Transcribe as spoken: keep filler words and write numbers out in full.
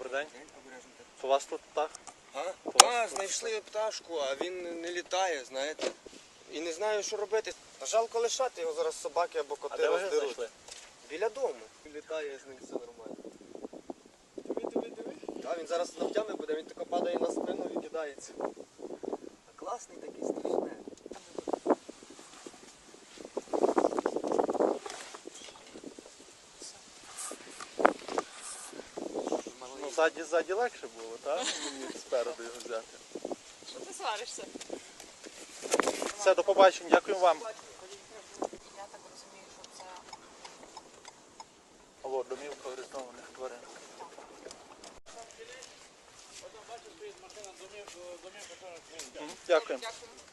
Добрий день. У вас тут птах? А? У вас А, тут знайшли пташку, а він не літає, знаєте. І не знаю, що робити. Жалко лишати його, зараз собаки або А коти де ви його роздеруть. знайшли? Біля дому. Літає з ним, все нормально. Диви, диви, диви. Так, він зараз навтями буде, він тако падає на спину і кидається. А класний такий, страшний. Ну, ззаді, ззаді легше було, так? Мені спереду його взяти. Що ти сваришся? Все, до побачення, дякую вам. Я так розумію, що це Алло, домівка орієнтованих тварин. Мгм, Дякую. дякую.